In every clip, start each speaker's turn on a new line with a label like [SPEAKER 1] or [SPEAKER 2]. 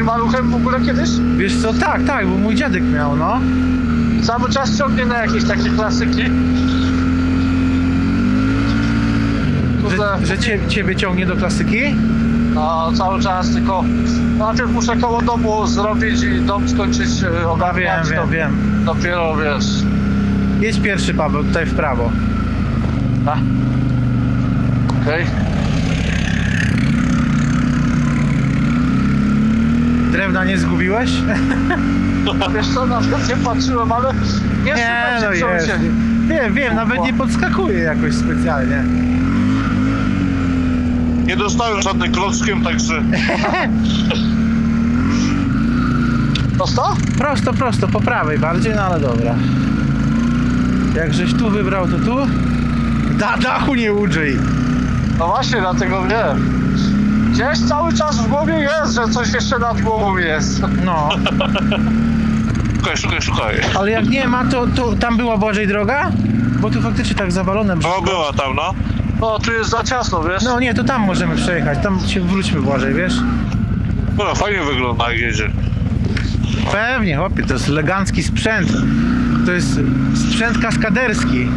[SPEAKER 1] maluchem w ogóle kiedyś?
[SPEAKER 2] Wiesz co, tak, bo mój dziadek miał, no.
[SPEAKER 1] Cały czas ciągnie na jakieś takie klasyki.
[SPEAKER 2] Że ciebie ciągnie do klasyki?
[SPEAKER 1] No, cały czas, tylko najpierw muszę koło domu zrobić i dom skończyć ogarniać.
[SPEAKER 2] Wiem.
[SPEAKER 1] Dopiero, wiesz...
[SPEAKER 2] Jedź pierwszy, Paweł, tutaj w prawo.
[SPEAKER 1] A? Okej.
[SPEAKER 2] Drewna nie zgubiłeś?
[SPEAKER 1] A wiesz co, nawet nie patrzyłem, ale nie
[SPEAKER 2] Nie, no
[SPEAKER 1] słuchajcie, co
[SPEAKER 2] jest.
[SPEAKER 1] się...
[SPEAKER 2] Wiem, nawet nie podskakuje jakoś specjalnie.
[SPEAKER 3] Nie dostałem żadnym klockiem, także...
[SPEAKER 1] Prosto?
[SPEAKER 2] Prosto, po prawej bardziej, no ale dobra. Jak żeś tu wybrał, to tu? Dachu nie udrzyj.
[SPEAKER 1] No właśnie, dlatego wiem. Gdzieś cały czas w głowie jest, że coś jeszcze nad głową jest.
[SPEAKER 2] No,
[SPEAKER 3] Szukaj.
[SPEAKER 2] ale jak nie ma, to tam była Błażej droga? Bo tu faktycznie tak zawalone
[SPEAKER 3] No
[SPEAKER 2] brzydko.
[SPEAKER 3] była tam, no.
[SPEAKER 1] No, tu jest za ciasno, wiesz?
[SPEAKER 2] No nie, to tam możemy przejechać, tam się wróćmy Błażej, wiesz?
[SPEAKER 3] No fajnie wygląda jak jedzie.
[SPEAKER 2] Pewnie, chłopie, to jest elegancki sprzęt. To jest sprzęt kaskaderski.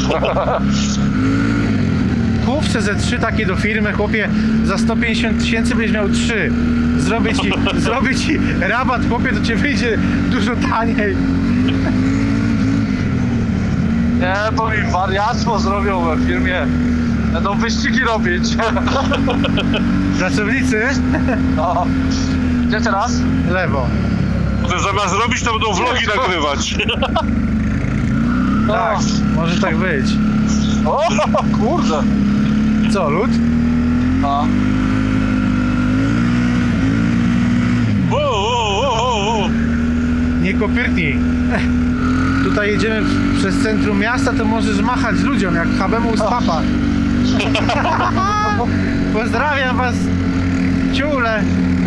[SPEAKER 2] Kup CZ3 takie do firmy, chłopie, za 150 000 będziesz miał 3. Zrobię ci rabat, chłopie, to cię wyjdzie dużo taniej.
[SPEAKER 1] Nie, bo mi wariactwo zrobią w firmie. Będą wyścigi robić.
[SPEAKER 2] Pracownicy?
[SPEAKER 1] No. Gdzie teraz?
[SPEAKER 2] Lewo.
[SPEAKER 3] To zamiast robić, to będą vlogi nagrywać.
[SPEAKER 1] No.
[SPEAKER 2] Tak, może tak być.
[SPEAKER 1] O, kurde.
[SPEAKER 2] Co, lód?
[SPEAKER 1] No.
[SPEAKER 3] O.
[SPEAKER 2] Nie kopyrtnij. Tutaj jedziemy przez centrum miasta, to możesz machać ludziom jak Habemu z papa. Pozdrawiam was, ciule.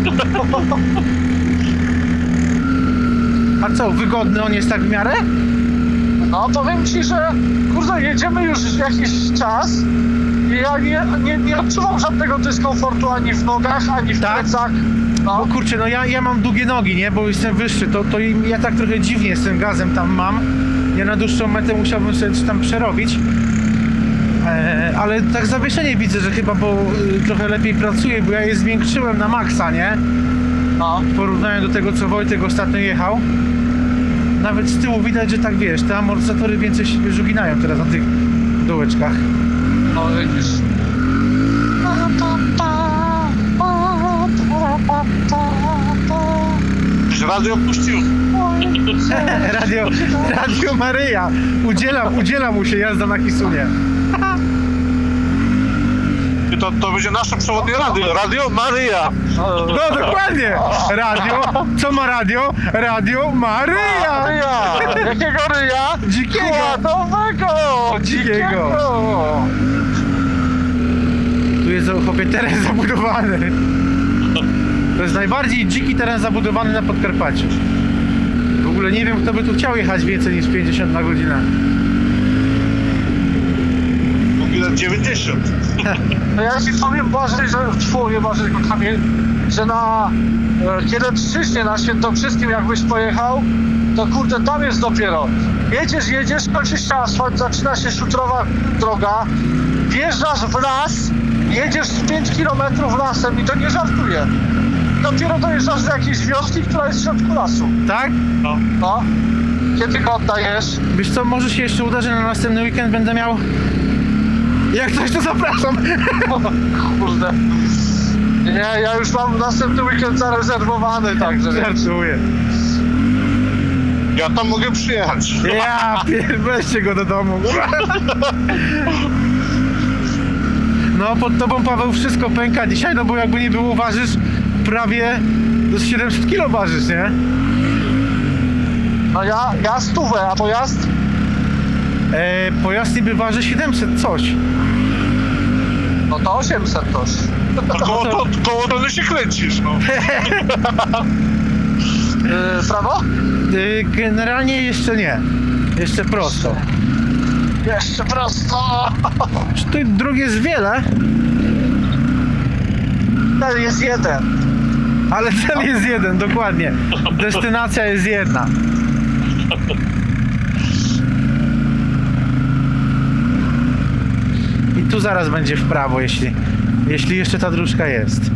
[SPEAKER 2] A co, wygodny on jest tak w miarę?
[SPEAKER 1] No, powiem ci, że kurde, jedziemy już jakiś czas i ja nie odczuwam żadnego dyskomfortu ani w nogach, ani w
[SPEAKER 2] Tak?
[SPEAKER 1] plecach.
[SPEAKER 2] Bo
[SPEAKER 1] No.
[SPEAKER 2] kurczę, no ja mam długie nogi, nie? Bo jestem wyższy, to ja tak trochę dziwnie z tym gazem tam mam. Ja na dłuższą metę musiałbym sobie coś tam przerobić. Ale tak zawieszenie widzę, że chyba, bo trochę lepiej pracuje, bo ja je zwiększyłem na maksa, nie?
[SPEAKER 1] No.
[SPEAKER 2] W porównaniu do tego, co Wojtek ostatnio jechał. Nawet z tyłu widać, że tak wiesz, te amortyzatory więcej się żuginają teraz na tych dołeczkach.
[SPEAKER 1] No widzisz.
[SPEAKER 3] Już radio puścił.
[SPEAKER 2] Radio Maryja. Udziela mu się jazda na Hisunie.
[SPEAKER 3] I to będzie nasze przewodnie radio. Radio Maryja.
[SPEAKER 2] No dokładnie. Radio. Co ma radio? Radio Maryja.
[SPEAKER 1] Ryja! Jakiego ryja?
[SPEAKER 2] Dzikiego.
[SPEAKER 1] Kładowego!
[SPEAKER 2] Dzikiego. Tu jest chłopie teren zabudowany. To jest najbardziej dziki teren zabudowany na Podkarpaciu. W ogóle nie wiem, kto by tu chciał jechać więcej niż 50 na godzinę.
[SPEAKER 3] Mówi lat 90.
[SPEAKER 1] No ja ci powiem, Boże, że nie Boże, tylko Kamil, że na Kielecczyźnie, na Świętokrzyskim jakbyś pojechał, to kurde, tam jest dopiero. Jedziesz, kończy się asfalt, zaczyna się szutrowa droga, wjeżdżasz w las, jedziesz z 5 km lasem i to nie żartuję. Dopiero dojeżdżasz do jakiejś wioski, która jest w środku lasu.
[SPEAKER 2] Tak?
[SPEAKER 1] No. Kiedy go oddajesz?
[SPEAKER 2] Wiesz co, może się jeszcze uda, że na następny weekend będę miał... Jak coś, to zapraszam.
[SPEAKER 1] Kurde. Nie, ja już mam następny weekend zarezerwowany, także wiesz.
[SPEAKER 2] Żartuję.
[SPEAKER 3] Ja tam mogę przyjechać.
[SPEAKER 2] Weźcie go do domu. No, pod tobą, Paweł, wszystko pęka dzisiaj, no bo jakby nie było, ważysz prawie do 700 kg ważysz, nie?
[SPEAKER 1] No ja 100, a pojazd?
[SPEAKER 2] Pojazd niby waży 700 coś.
[SPEAKER 1] No to 800 toż.
[SPEAKER 3] Koło tony się kręcisz, no.
[SPEAKER 1] Prawo?
[SPEAKER 2] Generalnie jeszcze nie. Jeszcze prosto.
[SPEAKER 1] Jeszcze prosto.
[SPEAKER 2] Czy tu dróg jest wiele?
[SPEAKER 1] Ten jest jeden.
[SPEAKER 2] Ale cel jest jeden, dokładnie. Destynacja jest jedna. I tu zaraz będzie w prawo, jeśli jeszcze ta dróżka jest.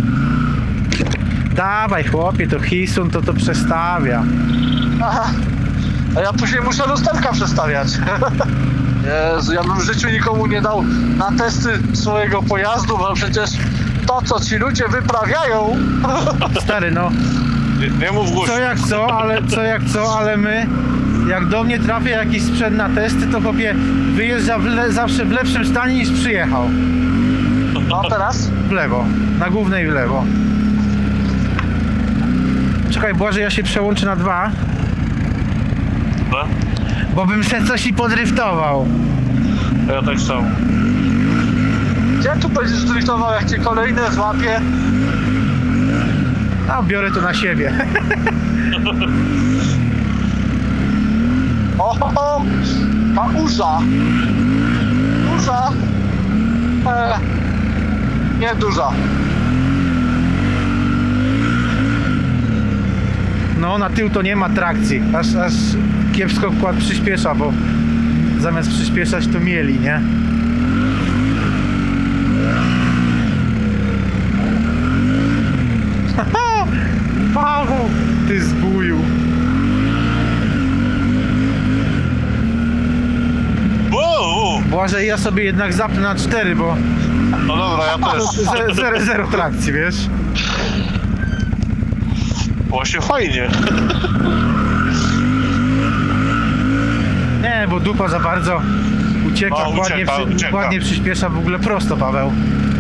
[SPEAKER 2] Dawaj chłopie, to Hisun to przestawia.
[SPEAKER 1] Aha. A ja później muszę lusterka przestawiać. Jezu, ja bym w życiu nikomu nie dał na testy swojego pojazdu, bo przecież to, co ci ludzie wyprawiają...
[SPEAKER 2] Stary, no,
[SPEAKER 3] Nie mów głośno.
[SPEAKER 2] co jak co, ale my, jak do mnie trafia jakiś sprzęt na testy, to chłopie wyjeżdża zawsze w lepszym stanie niż przyjechał.
[SPEAKER 1] No teraz?
[SPEAKER 2] W lewo, na głównej w lewo. Czekaj, Błażej, ja się przełączę na 2,
[SPEAKER 3] No?
[SPEAKER 2] bo bym se coś i podryftował.
[SPEAKER 3] Ja tak samo.
[SPEAKER 1] Gdzie tu będziesz driftował, jak cię kolejne złapie?
[SPEAKER 2] A biorę to na siebie.
[SPEAKER 1] O, ta urza. Duża. Nie duża.
[SPEAKER 2] No, na tył to nie ma trakcji. Aż kiepsko wkład przyspiesza, bo zamiast przyspieszać to mieli, nie? Paweł, ty zbuju.
[SPEAKER 3] Wow!
[SPEAKER 2] Błażej, ja sobie jednak zapnę na 4, bo
[SPEAKER 3] No dobra, ja też.
[SPEAKER 2] zero trakcji, wiesz?
[SPEAKER 3] Właśnie fajnie.
[SPEAKER 2] Nie, bo dupa za bardzo ucieka,
[SPEAKER 3] No, ucieka.
[SPEAKER 2] ładnie przyspiesza w ogóle prosto, Paweł.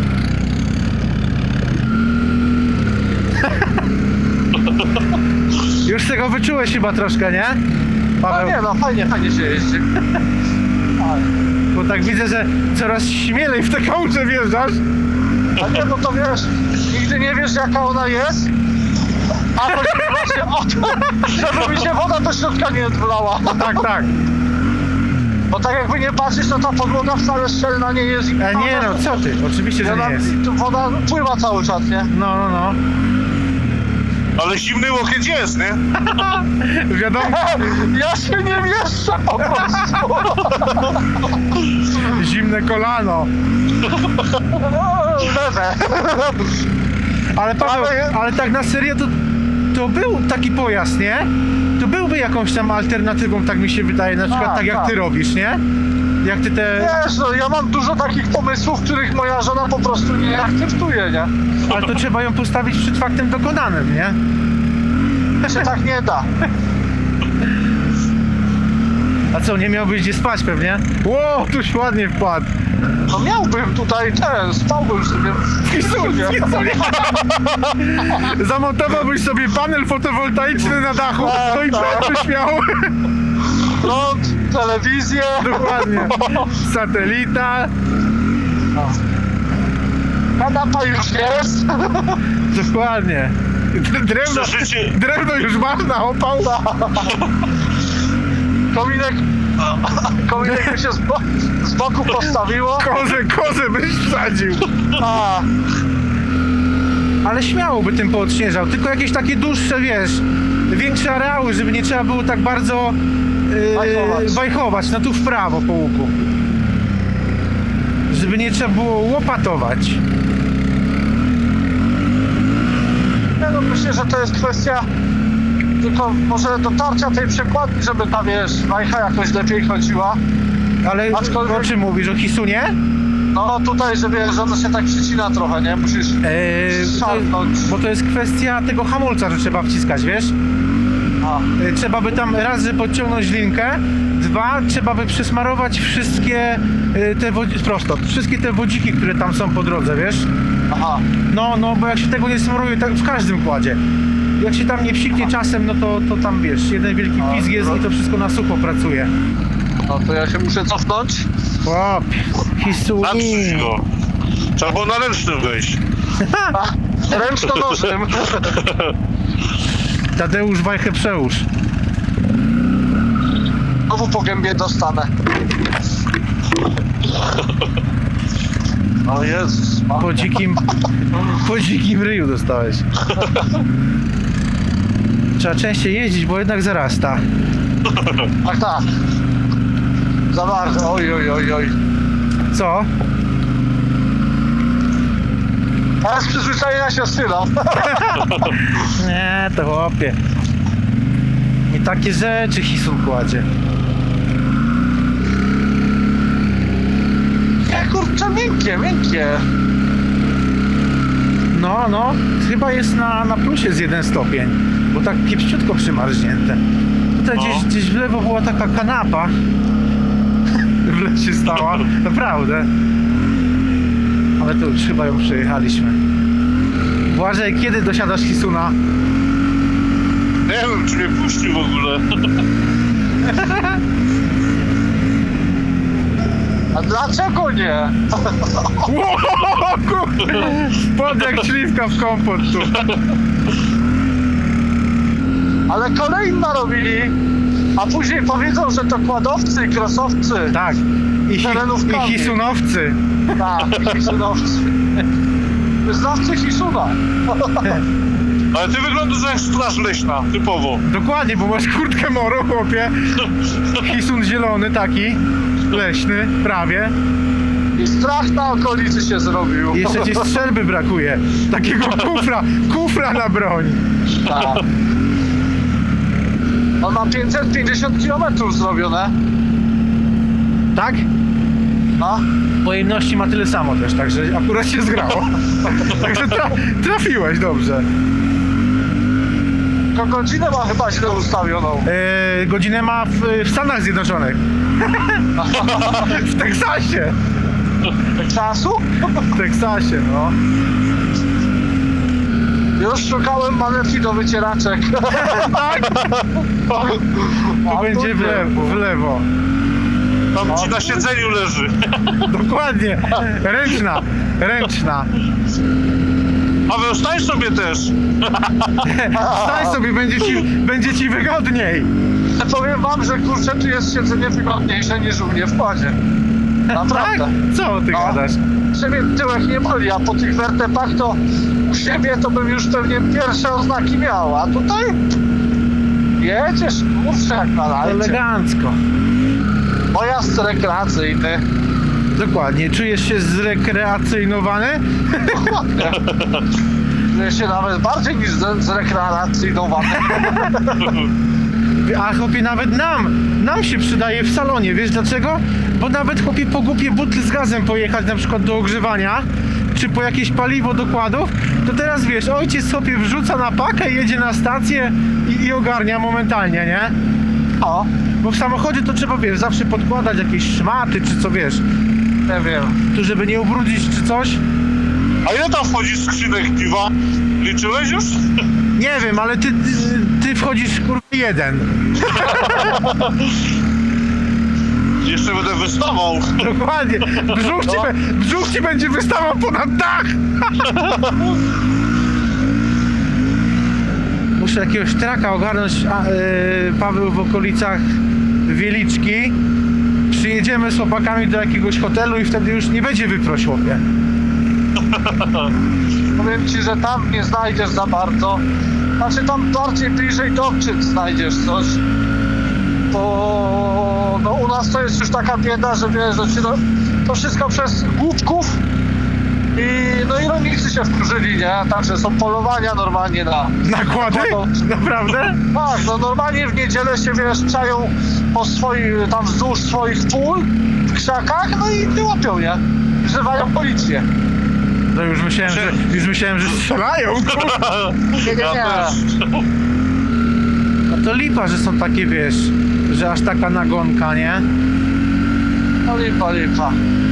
[SPEAKER 2] Już tego wyczułeś chyba troszkę, nie?
[SPEAKER 1] No
[SPEAKER 2] Paweł,
[SPEAKER 1] nie no, fajnie się jeździ.
[SPEAKER 2] bo tak widzę, że coraz śmielej w te kałuże wjeżdżasz.
[SPEAKER 1] A nie, no to wiesz, nigdy nie wiesz, jaka ona jest. A chodzi właśnie o to, żeby mi się woda do środka nie wlała.
[SPEAKER 2] Tak.
[SPEAKER 1] Bo tak jakby nie patrzeć, to ta podłoga wcale szczelna nie jest.
[SPEAKER 2] Nie no, co ty? Oczywiście, że nie jest.
[SPEAKER 1] Woda pływa cały czas, nie?
[SPEAKER 2] No.
[SPEAKER 3] Ale zimny łokieć jest, nie?
[SPEAKER 2] Wiadomo,
[SPEAKER 1] Ja się nie mieszczę po prostu.
[SPEAKER 2] zimne kolano.
[SPEAKER 1] Lewe.
[SPEAKER 2] Ale Paweł, ale tak na serio to był taki pojazd, nie? To byłby jakąś tam alternatywą, tak mi się wydaje, na przykład tak jak ty robisz, nie? Jak ty te...
[SPEAKER 1] Wiesz, no ja mam dużo takich pomysłów, których moja żona po prostu nie akceptuje, nie?
[SPEAKER 2] Ale to trzeba ją postawić przed faktem dokonanym, nie?
[SPEAKER 1] Się tak nie da.
[SPEAKER 2] A co, nie miałbyś gdzie spać pewnie? Ło, tuś ładnie wpadł.
[SPEAKER 1] No miałbym tutaj spałbym sobie w Hisunie.
[SPEAKER 2] Zamontowałbyś sobie panel fotowoltaiczny na dachu, no i byś miał.
[SPEAKER 1] Prąd, telewizję.
[SPEAKER 2] Dokładnie. Satelita.
[SPEAKER 1] Kanapa już jest.
[SPEAKER 2] Dokładnie. Drewno już masz na opał.
[SPEAKER 1] Kominek by się z boku postawiło.
[SPEAKER 2] Kozę byś wsadził.
[SPEAKER 1] A,
[SPEAKER 2] Ale śmiało by tym poodśnieżał, tylko jakieś takie dłuższe, wiesz, większe areały, żeby nie trzeba było tak bardzo wajchować, no tu w prawo po łuku. Żeby nie trzeba było łopatować.
[SPEAKER 1] nie no, myślę, że to jest kwestia tylko może dotarcia tej przekładni, żeby ta, wiesz, wajcha jakoś lepiej chodziła.
[SPEAKER 2] Ale
[SPEAKER 1] Aczkolwiek-
[SPEAKER 2] o czym mówisz? O Hisunie?
[SPEAKER 1] No tutaj, że wiesz, że ona się tak przycina trochę, nie? Musisz szarpnąć.
[SPEAKER 2] Bo to jest kwestia tego hamulca, że trzeba wciskać, wiesz?
[SPEAKER 1] A,
[SPEAKER 2] Trzeba by tam raz, że podciągnąć linkę, dwa, trzeba by przesmarować wszystkie wszystkie te wodziki, które tam są po drodze, wiesz?
[SPEAKER 1] aha.
[SPEAKER 2] No, bo jak się tego nie smaruje, tak w każdym kładzie. Jak się tam nie psiknie czasem, no to tam wiesz, jeden wielki pizg jest i to wszystko na sucho pracuje.
[SPEAKER 1] No to ja się muszę cofnąć.
[SPEAKER 2] Łop, Hisuni.
[SPEAKER 3] Natrzyj go. Trzeba było na ręcznym wejść.
[SPEAKER 1] A, ręczno-nożnym.
[SPEAKER 2] Tadeusz wajchę przełóż.
[SPEAKER 1] Znowu po gębie dostanę. O Jezus.
[SPEAKER 2] Po dzikim ryju dostałeś. Trzeba częściej jeździć, bo jednak zarasta.
[SPEAKER 1] Tak, tak. Za bardzo. Oj, oj, oj, oj.
[SPEAKER 2] Co?
[SPEAKER 1] A z przyzwyczajenia się strzelam.
[SPEAKER 2] Nie, to chłopie. I takie rzeczy Hisun kładzie.
[SPEAKER 1] Nie, kurczę, miękkie, miękkie.
[SPEAKER 2] No, chyba jest na plusie z 1 stopień, bo tak kiepściutko przymarznięte. Tutaj
[SPEAKER 3] No.
[SPEAKER 2] gdzieś w lewo była taka kanapa. W lesie stała, naprawdę. Ale to już chyba ją przejechaliśmy. Błażej, kiedy dosiadasz Hisuna?
[SPEAKER 3] Nie wiem, czy mnie puścił w ogóle.
[SPEAKER 1] A dlaczego nie?
[SPEAKER 2] Pod jak śliwka w kompot tu.
[SPEAKER 1] Ale kolejny narobili, a później powiedzą, że to kładowcy i krosowcy.
[SPEAKER 2] Tak. I
[SPEAKER 1] Terenówkami.
[SPEAKER 2] Hisunowcy.
[SPEAKER 1] Tak, hisunowcy. Znawcy Hisuna.
[SPEAKER 3] Ale ty wyglądasz jak straż leśna, typowo.
[SPEAKER 2] Dokładnie, bo masz kurtkę moro, chłopie. Hisun zielony taki, leśny, prawie.
[SPEAKER 1] I strach na okolicy się zrobił.
[SPEAKER 2] I jeszcze ci strzelby brakuje. Takiego kufra na broń.
[SPEAKER 1] Tak. On ma 550 km zrobione.
[SPEAKER 2] Tak?
[SPEAKER 1] No.
[SPEAKER 2] Pojemności ma tyle samo też, także akurat się zgrało. Także trafiłeś dobrze.
[SPEAKER 1] Tylko godzinę ma chyba źle ustawioną.
[SPEAKER 2] Godzinę ma w Stanach Zjednoczonych. W Teksasie.
[SPEAKER 1] Czasu?
[SPEAKER 2] W Teksasie, no.
[SPEAKER 1] Już szukałem manetki do wycieraczek.
[SPEAKER 2] Tak? Tu będzie w lewo.
[SPEAKER 3] Tam ci na siedzeniu leży.
[SPEAKER 2] Dokładnie. Ręczna.
[SPEAKER 3] Paweł, stań sobie też.
[SPEAKER 2] Stań sobie, będzie ci wygodniej.
[SPEAKER 1] Powiem wam, że kurczę, tu jest siedzenie wygodniejsze niż u mnie w kładzie.
[SPEAKER 2] Tak?
[SPEAKER 1] Naprawdę.
[SPEAKER 2] Co ty
[SPEAKER 1] No.
[SPEAKER 2] gadasz?
[SPEAKER 1] Siebie tyłek nie boli, a po tych wertepach to u siebie to bym już pewnie pierwsze oznaki miał, a tutaj jedziesz kurczę jak na lajcie.
[SPEAKER 2] Elegancko.
[SPEAKER 1] Pojazd rekreacyjny.
[SPEAKER 2] Dokładnie. Czujesz się zrekreacyjnowany?
[SPEAKER 1] Czuję się nawet bardziej niż zrekreacyjnowany.
[SPEAKER 2] A chłopie, nawet nam się przydaje w salonie, wiesz dlaczego? Bo nawet chłopie po głupie butli z gazem pojechać na przykład do ogrzewania, czy po jakieś paliwo dokładów, to teraz wiesz, ojciec sobie wrzuca na pakę, jedzie na stację i ogarnia momentalnie, nie?
[SPEAKER 1] O,
[SPEAKER 2] Bo w samochodzie to trzeba, wiesz, zawsze podkładać jakieś szmaty, czy co, wiesz,
[SPEAKER 1] nie wiem.
[SPEAKER 2] tu żeby nie ubrudzić, czy coś.
[SPEAKER 3] A ile tam wchodzi skrzynek piwa? Liczyłeś już?
[SPEAKER 2] Nie wiem, ale ty wchodzisz, kurwa, jeden.
[SPEAKER 3] Jeszcze będę wystawał.
[SPEAKER 2] Dokładnie. Brzuch ci będzie wystawał ponad dach. Muszę jakiegoś traka ogarnąć, Paweł, w okolicach Wieliczki. Przyjedziemy z chłopakami do jakiegoś hotelu i wtedy już nie będzie wyproś, chłopie.
[SPEAKER 1] Powiem ci, że tam nie znajdziesz za bardzo. Znaczy tam bardziej bliżej Dobczyc znajdziesz coś. Bo no, u nas to jest już taka bieda, że wiesz, że ci to wszystko przez głupków. I rolnicy się wkurzyli, nie? Także są polowania normalnie na...
[SPEAKER 2] Nakłady? Naprawdę?
[SPEAKER 1] Tak, no normalnie w niedzielę się, wiesz, czają po tam wzdłuż swoich pól w krzakach, no i nie łapią, nie? Wzywają policję.
[SPEAKER 2] No już myślałem, że strzelają, kurwa.
[SPEAKER 1] Nie.
[SPEAKER 3] Ja też.
[SPEAKER 2] No to lipa, że są takie, wiesz, że aż taka nagonka, nie?
[SPEAKER 1] No lipa.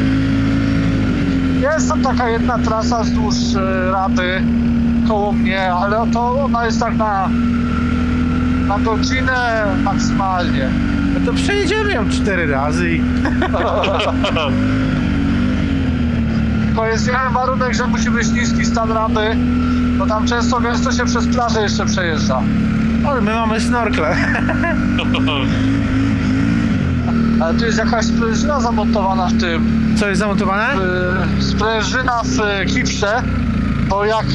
[SPEAKER 1] Jest tam taka jedna trasa wzdłuż Rapy koło mnie, ale to ona jest tak na godzinę maksymalnie.
[SPEAKER 2] No to przejedziemy ją 4 razy i...
[SPEAKER 1] Tylko jest jeden warunek, że musi być niski stan Rapy, bo tam często gęsto się przez plażę jeszcze przejeżdża.
[SPEAKER 2] Ale my mamy snorkle.
[SPEAKER 1] Ale tu jest jakaś sprężyna zamontowana w tym.
[SPEAKER 2] Co jest zamontowane?
[SPEAKER 1] Sprężyna w kipsze, bo jak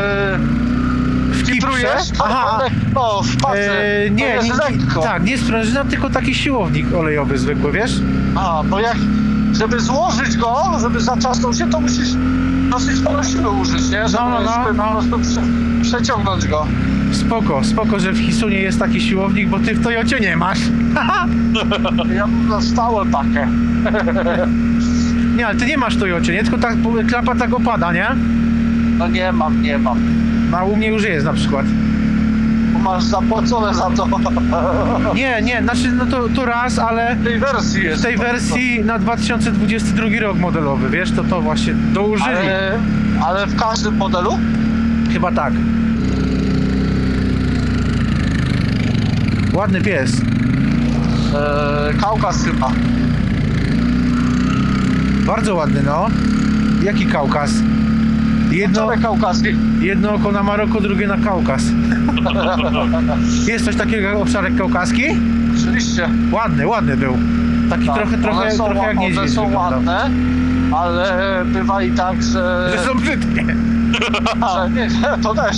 [SPEAKER 2] W
[SPEAKER 1] kiprujesz, to
[SPEAKER 2] Aha,
[SPEAKER 1] no w pace, to
[SPEAKER 2] nie,
[SPEAKER 1] jest lekko.
[SPEAKER 2] tak, nie sprężyna, tylko taki siłownik olejowy zwykły, wiesz?
[SPEAKER 1] A, bo jak, żeby złożyć go, żeby zaczasnął się, to musisz dosyć sporo siły użyć, nie? Żeby
[SPEAKER 2] No.
[SPEAKER 1] po prostu przeciągnąć go.
[SPEAKER 2] Spoko, że w Hisunie jest taki siłownik, bo ty w Toyocie nie masz.
[SPEAKER 1] Ja mam na stałe pakę.
[SPEAKER 2] Nie, ale ty nie masz w Toyocie, nie? Tylko ta klapa tak opada, nie?
[SPEAKER 1] No nie mam.
[SPEAKER 2] No, a u mnie już jest na przykład.
[SPEAKER 1] Bo masz zapłacone za to.
[SPEAKER 2] Nie, znaczy no to raz, ale
[SPEAKER 1] W tej wersji jest.
[SPEAKER 2] w tej wersji na 2022 rok modelowy, wiesz, to właśnie dołożyli.
[SPEAKER 1] Ale w każdym modelu?
[SPEAKER 2] Chyba tak. Ładny pies.
[SPEAKER 1] Kaukaz chyba.
[SPEAKER 2] Bardzo ładny, no. Jaki Kaukaz?
[SPEAKER 1] Czarek kaukaski.
[SPEAKER 2] Jedno oko na Maroko, drugie na Kaukaz. Jest coś takiego jak owczarek kaukaski?
[SPEAKER 1] Oczywiście.
[SPEAKER 2] Ładny był. Taki
[SPEAKER 1] Tak,
[SPEAKER 2] trochę jak niedźwiedź
[SPEAKER 1] one są
[SPEAKER 2] wyglądał.
[SPEAKER 1] ładne, ale bywa i tak, że...
[SPEAKER 2] Że są brzydkie.
[SPEAKER 1] że nie, to też.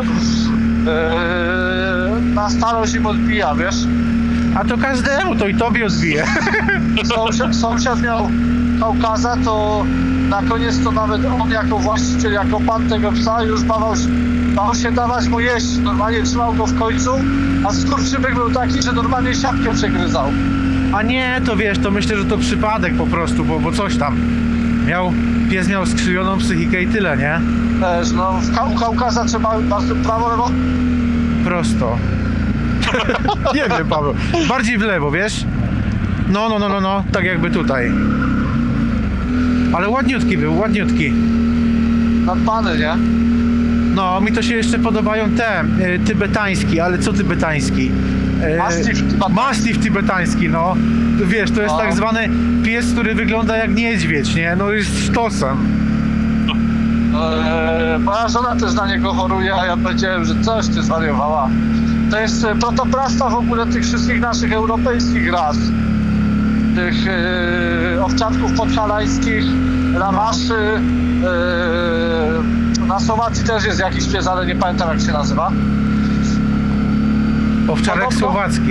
[SPEAKER 1] Na starość im odbija, wiesz?
[SPEAKER 2] A to każdemu, to i tobie odbije.
[SPEAKER 1] Sąsiad miał Kaukaza, to na koniec to nawet on jako właściciel, jako pan tego psa już bał się dawać mu jeść. Normalnie trzymał go w końcu, a skurczybyk był taki, że normalnie siatkę przegryzał.
[SPEAKER 2] A nie, to wiesz, to myślę, że to przypadek po prostu, bo coś tam. Pies miał skrzywioną psychikę i tyle, nie?
[SPEAKER 1] Też, no w Kaukaza trzeba bardzo prawo, lewo.
[SPEAKER 2] Prosto. Nie wiem, Paweł. Bardziej w lewo, wiesz? No, tak jakby tutaj. Ale ładniutki był, ładniutki.
[SPEAKER 1] Nadbany, nie?
[SPEAKER 2] No, mi to się jeszcze podobają te tybetański, ale co tybetański?
[SPEAKER 1] Mastiff tybetański.
[SPEAKER 2] Mastiff tybetański, no. Wiesz, to jest
[SPEAKER 1] No.
[SPEAKER 2] tak zwany pies, który wygląda jak niedźwiedź, nie? No jest sztosem.
[SPEAKER 1] Moja żona też na niego choruje, a ja powiedziałem, że coś ty zwariowała. To jest protoplasta w ogóle tych wszystkich naszych europejskich ras. Tych owczarków podhalańskich, lamaszy. Na Słowacji też jest jakiś pies, ale nie pamiętam jak się nazywa.
[SPEAKER 2] Owczarek
[SPEAKER 1] Podobno-
[SPEAKER 2] słowacki.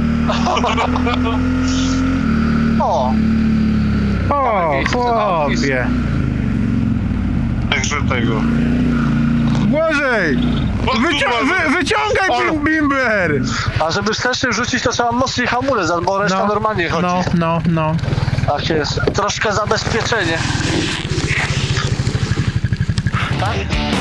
[SPEAKER 1] O,
[SPEAKER 2] O,
[SPEAKER 1] miejsce,
[SPEAKER 2] chłopie.
[SPEAKER 3] Także tego.
[SPEAKER 2] Błażej! Wyciągaj
[SPEAKER 3] Ale-
[SPEAKER 2] bimber!
[SPEAKER 1] a żeby wsteczny wrzucić, to trzeba mocniej hamulec, albo reszta normalnie chodzi.
[SPEAKER 2] No.
[SPEAKER 1] Tak jest. Troszkę zabezpieczenie. Tak?